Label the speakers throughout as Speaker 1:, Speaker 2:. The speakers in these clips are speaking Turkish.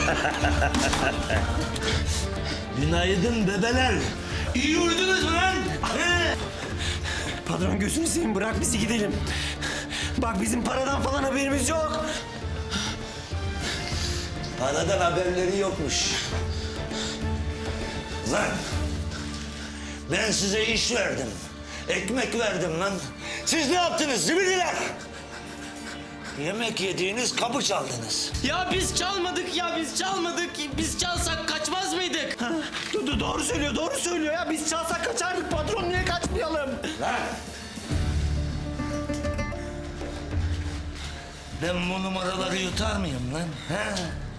Speaker 1: Günaydın bebeler. İyi uyudunuz mu lan?
Speaker 2: Patron gözünü seveyim, bırak bizi gidelim. Bak bizim paradan falan haberimiz yok.
Speaker 1: Paradan haberleri yokmuş. Lan ben size iş verdim. Ekmek verdim lan. Siz ne yaptınız zibidiler? Yemek yediğiniz kapı çaldınız.
Speaker 3: Ya biz çalmadık ya, biz çalmadık. Biz çalsak kaçmaz mıydık?
Speaker 2: Doğru söylüyor, doğru söylüyor ya. Biz çalsak kaçardık patron, niye kaçmayalım?
Speaker 1: Lan! Ben bu numaraları yutar mıyım lan? He?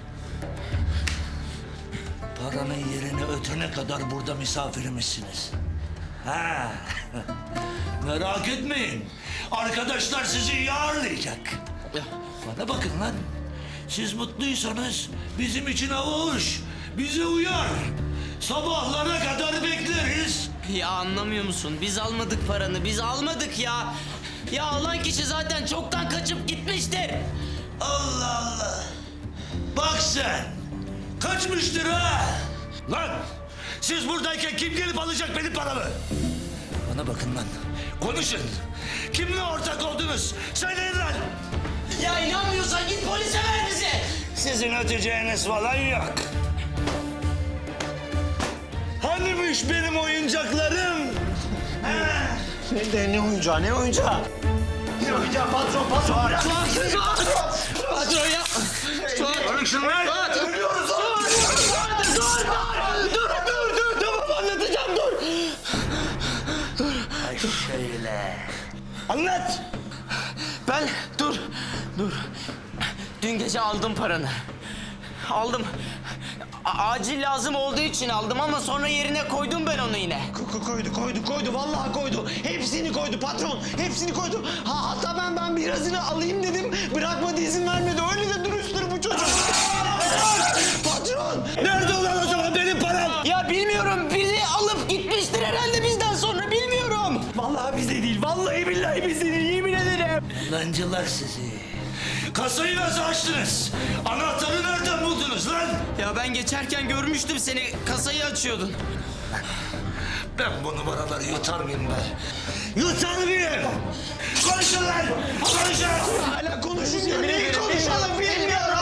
Speaker 1: Paranın yerini ötene kadar burada misafirimizsiniz. Ha. Merak etmeyin. Arkadaşlar sizi iyi ağırlayacak. Bana bakın lan. Siz mutluysanız bizim için avuç. Bize uyar. Sabahlara kadar bekleriz.
Speaker 3: Ya anlamıyor musun? Biz almadık paranı, biz almadık ya. Ya alan kişi zaten çoktan kaçıp gitmiştir.
Speaker 1: Allah Allah. Bak sen. Kaçmıştır ha. Lan siz buradayken kim gelip alacak benim paramı? Bana bakın lan. Konuşun. Kimle ortak oldunuz? Söyleyin lan.
Speaker 3: Ya inanmıyorsan git polise ver bizi.
Speaker 1: Sizin öteceğiniz falan yok. Hanimiş benim oyuncaklarım?
Speaker 2: Ne oyuncağı, ne oyuncağı? Ne oyuncağı patron, patron bırak.
Speaker 3: Patron ya.
Speaker 1: Konuşun lan.
Speaker 2: Ölüyoruz oğlum. Dur, tamam anlatacağım, dur.
Speaker 1: Ay şöyle. Anlat.
Speaker 3: Ben dur. Dün gece aldım paranı. Aldım. Acil lazım olduğu için aldım ama sonra yerine koydum ben onu yine.
Speaker 2: Koydu, vallahi koydu. Hepsini koydu patron, hepsini koydu. Hatta ben birazını alayım dedim, bırakmadı, izin vermedi. Öyle de dürüsttür bu çocuk. Patron!
Speaker 1: Nerede ulan o zaman benim param?
Speaker 3: Ya bilmiyorum, bizi alıp gitmiştir herhalde bizden sonra, bilmiyorum.
Speaker 2: Vallahi bizde değil, vallahi billahi bizde değil, yemin ederim.
Speaker 1: Lancılar sizi. Kasayı nasıl açtınız? Anahtarı nereden buldunuz lan?
Speaker 3: Ya ben geçerken görmüştüm seni, kasayı açıyordun.
Speaker 1: Ben bu numaraları yutar mıyım be? Yutar mıyım? Konuşun lan! Konuşun!
Speaker 2: Hala konuşuyor, neyi konuşalım bilmiyorum.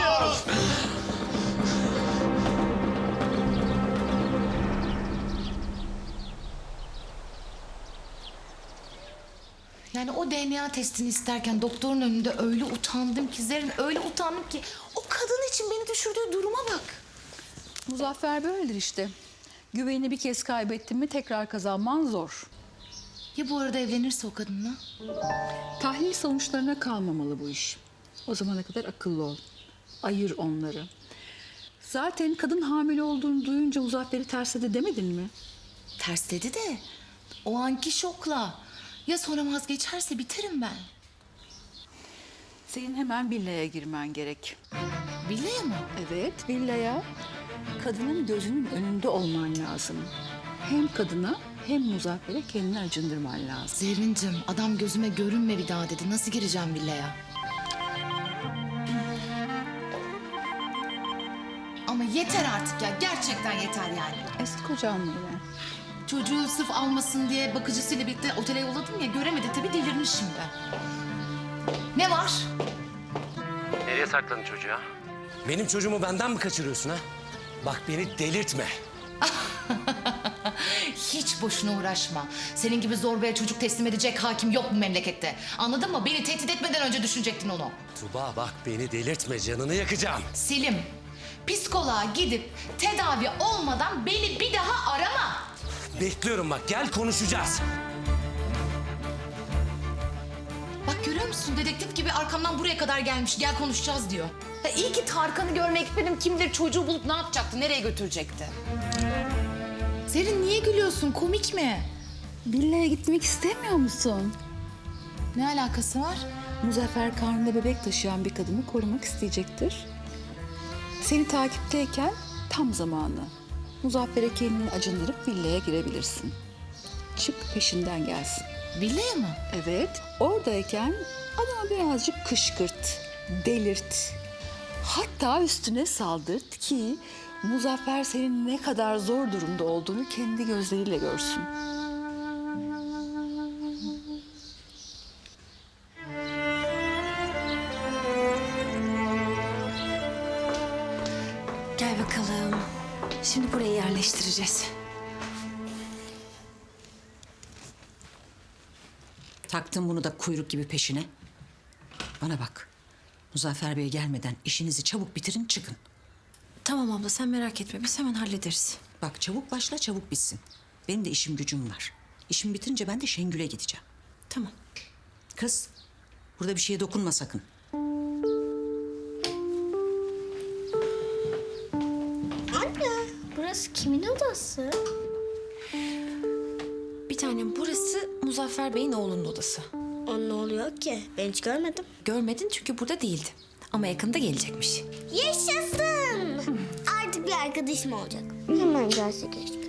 Speaker 4: Yani o DNA testini isterken doktorun önünde öyle utandım ki Zerrin, öyle utandım ki o kadın için beni düşürdüğü duruma bak.
Speaker 5: Muzaffer böyledir işte. Güvenini bir kez kaybettin mi tekrar kazanman zor.
Speaker 4: Ya bu arada evlenirse o kadınla?
Speaker 5: Tahlil sonuçlarına kalmamalı bu iş. O zamana kadar akıllı ol. Ayır onları. Zaten kadın hamile olduğunu duyunca Muzaffer'i tersledi demedin mi?
Speaker 4: Tersledi de o anki şokla. Ya sonra vazgeçerse biterim ben.
Speaker 5: Senin hemen villaya girmen gerek.
Speaker 4: Villaya mı?
Speaker 5: Evet, villaya. Kadının gözünün önünde olman lazım. Hem kadına hem Muzaffer'e kendini acındırman lazım.
Speaker 4: Zerrin'cim adam gözüme görünme bir daha dedi. Nasıl gireceğim villaya? Ama yeter artık ya. Gerçekten yeter yani.
Speaker 5: Eski kocanla evlen.
Speaker 4: Çocuğu sırf almasın diye bakıcısıyla birlikte otele yolladım ya. Göremedi tabii, delirmiş şimdi. Ne var?
Speaker 6: Nereye sakladın çocuğu ya?
Speaker 2: Benim çocuğumu benden mi kaçırıyorsun ha? Bak beni delirtme.
Speaker 4: Hiç boşuna uğraşma. Senin gibi zorbaya çocuk teslim edecek hakim yok bu memlekette. Anladın mı? Beni tehdit etmeden önce düşünecektin onu.
Speaker 2: Tuba bak beni delirtme, canını yakacağım.
Speaker 4: Selim, psikoloğa gidip tedavi olmadan beni bir daha arama.
Speaker 2: Bekliyorum bak, gel konuşacağız.
Speaker 4: Bak görüyor musun? Dedektif gibi arkamdan buraya kadar gelmiş. Gel konuşacağız diyor. Ya iyi ki Tarkan'ı görmeye gitmedim. Kim bilir çocuğu bulup ne yapacaktı? Nereye götürecekti? Zerrin niye gülüyorsun? Komik mi?
Speaker 5: Villaya gitmek istemiyor musun?
Speaker 4: Ne alakası var?
Speaker 5: Muzaffer karnında bebek taşıyan bir kadını korumak isteyecektir. Seni takipteyken tam zamanı. Muzaffer'e kendini acındırıp villaya girebilirsin. Çık peşinden gelsin.
Speaker 4: Villaya mı?
Speaker 5: Evet, oradayken adamı birazcık kışkırt, delirt. Hatta üstüne saldırt ki Muzaffer senin ne kadar zor durumda olduğunu kendi gözleriyle görsün.
Speaker 7: Gel bakalım. Şimdi burayı yerleştireceğiz.
Speaker 8: Taktın bunu da kuyruk gibi peşine. Bana bak. Muzaffer Bey gelmeden işinizi çabuk bitirin çıkın.
Speaker 7: Tamam abla sen merak etme biz hemen hallederiz.
Speaker 8: Bak çabuk başla çabuk bitsin. Benim de işim gücüm var. İşim bitince ben de Şengül'e gideceğim.
Speaker 7: Tamam.
Speaker 8: Kız burada bir şeye dokunma sakın.
Speaker 9: Anne, burası kimin odası?
Speaker 7: Bir tanem burası Muzaffer Bey'in oğlunun odası.
Speaker 9: O ne oluyor ki? Ben hiç görmedim.
Speaker 7: Görmedin çünkü burada değildi. Ama yakında gelecekmiş.
Speaker 9: Yaşasın! Artık bir arkadaşım olacak. Hemen gelse keşke.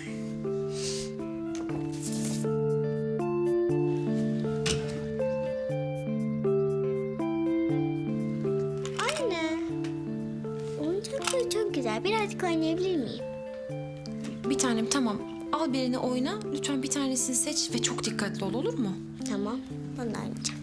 Speaker 9: Anne, oyuncakları çok güzel. Birazcık oynayabilir miyim?
Speaker 7: Bir tanem tamam. Al birini oyna. Lütfen bir tanesini seç ve çok dikkatli ol olur mu?
Speaker 9: Tamam, ben de oynayacağım.